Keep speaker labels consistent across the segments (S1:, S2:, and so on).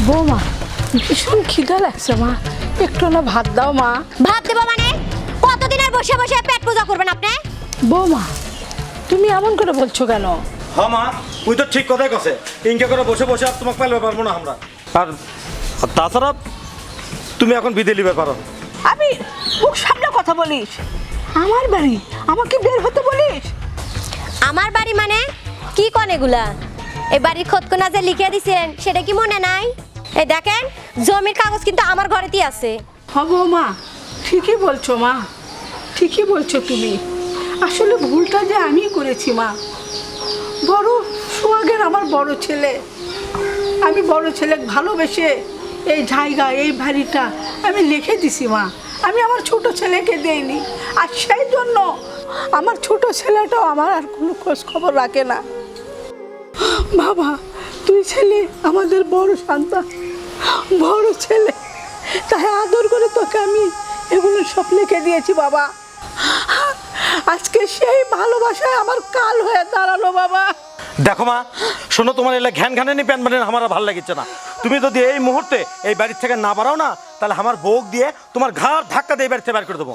S1: বৌমা ভীষণ খিদা লাগছে মা, একটু না ভাত দাও মা।
S2: ভাত দেবো মানে? কতদিন আর বসে বসে পেট পূজা করবেন আপনি?
S1: বৌমা তুমি এমন করে বলছো কেন?
S3: হ্যাঁ মা, তুই তো ঠিক কথাই কছে। ইনকে করে বসে বসে আর তোমাকে পাইলে পারবো না আমরা। আর তাছাড়া তুমি এখন বিদেয় লিবে পারো।
S1: আমি মুখ সামনে কথা বলিস, আমার বাড়ি আমাকে বের হতে বলিস?
S2: আমার বাড়ি মানে কি কোন এগুলা? এই বাড়ির খতকনা যে লিখে দিছেন সেটা কি মনে নাই? এই দেখেন জমির কাগজ কিন্তু আমার ঘরেতেই আছে।
S1: হ্যাঁ বৌমা ঠিকই বলছো মা, ঠিকই বলছো তুমি। আসলে ভুলটা যে আমি করেছি মা। বড় সোহাগের আমার বড় ছেলে, আমি বড় ছেলে ভালোবেসে এই জায়গা এই বাড়িটা আমি লিখে দিছি মা, আমি আমার ছোট ছেলেকে দেইনি। আর সেই জন্য আমার ছোট ছেলেটাও আমার আর কোনো খোঁজ খবর রাখে না। বাবা তুই ছেলে আমাদের বড় সন্তান, বড় ছেলে, তাই আদর করে তোকে আমি এগুলো সব লিখে দিয়েছি বাবা। আজকে সেই ভালোবাসায় আমার কাল হয়ে দাঁড়ালো বাবা।
S3: দেখো মা, শোনো, তোমার এলে ঘ্যান ঘ্যানে প্যান বানিয়ে আমার ভালো লাগছে না। তুমি যদি এই মুহূর্তে এই বাড়ির থেকে না বাড়াও না, তাহলে আমার বউক দিয়ে তোমার ঘাড় ধাক্কা দিয়ে বাড়িতে বের করে দেবো।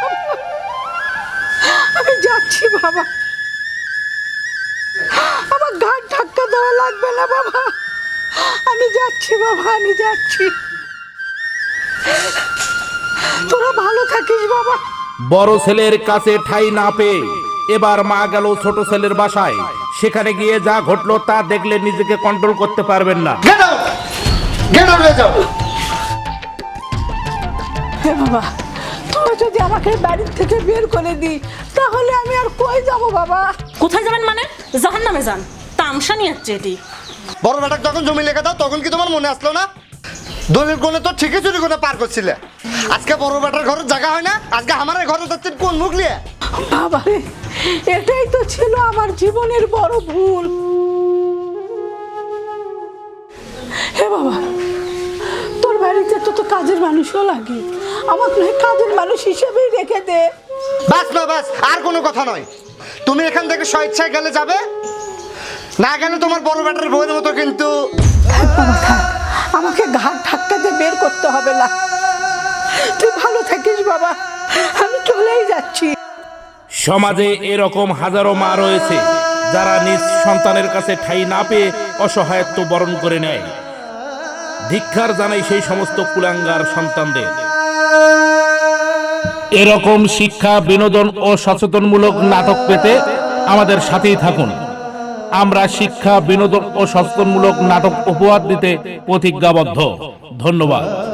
S1: আমি যাচ্ছি বাবা, আমার ঘাড় ধাক্কা দেওয়া লাগবে না বাবা, আমি যাচ্ছি বাবা, আমি যাচ্ছি। তোরা ভালো থাকিস বাবা।
S4: বড় ছেলের কাছে ঠাঁই না পেয়ে এবার মা গেল ছোট ছেলের বাসায়। সেখানে গিয়ে যা ঘটলো তা দেখলে নিজেকে কন্ট্রোল করতে পারবেন না।
S1: হে বাবা, তোরা যদি আমাকে বাড়ির থেকে বের করে দিই তাহলে আমি আর কই যাব বাবা?
S5: কোথায় যাবেন মানে? জাহান্নামে যান, তামসা নিয়ে যাচ্ছে এটি।
S6: বড় বেটাক যখন জমি লেখা দাও তখন কি তোমার মনে আসলো না? দলিল কোণে তো ঠিকই চুরি করে পার করছিলে। আজকে বড় বেটার ঘরে জায়গা হয় না, আজকে আমার ঘরে যাচ্ছেন কোন মুখ নিয়ে?
S1: বাবা রে, এটাই তো ছিল আমার জীবনের বড় ভুল। হে বাবা, তোর বাড়িতে তো কাজের মানুষও লাগে, আমাকে নয় কাজের মানুষ হিসেবেই রেখে দে।
S6: বাস না বাস, আর কোনো কথা নয়। তুমি এখান থেকে স্বেচ্ছায় গেলে যাবে, না গেলে তোমার বড় বেটার বউয়ের মতো কিন্তু।
S1: থাক বাবা থাক, আমাকে ঘাট ধাক্কাতে বের করতে হবে না। তুই ভালো থাকিস বাবা, আমি চলেই যাচ্ছি।
S4: সমাজে এরকম হাজারো মা রয়েছে যারা নিজ সন্তানের কাছে ঠাঁই না পেয়ে অসহায়ত্ব বরণ করে নেয়। ধিক্কার জানাই সেই সমস্ত কুলাঙ্গার সন্তানদের। এরকম শিক্ষা, বিনোদন ও সচেতনমূলক নাটক পেতে আমাদের সাথেই থাকুন। আমরা শিক্ষা, বিনোদন ও সচেতনমূলক নাটক উপহার দিতে প্রতিজ্ঞাবদ্ধ। ধন্যবাদ।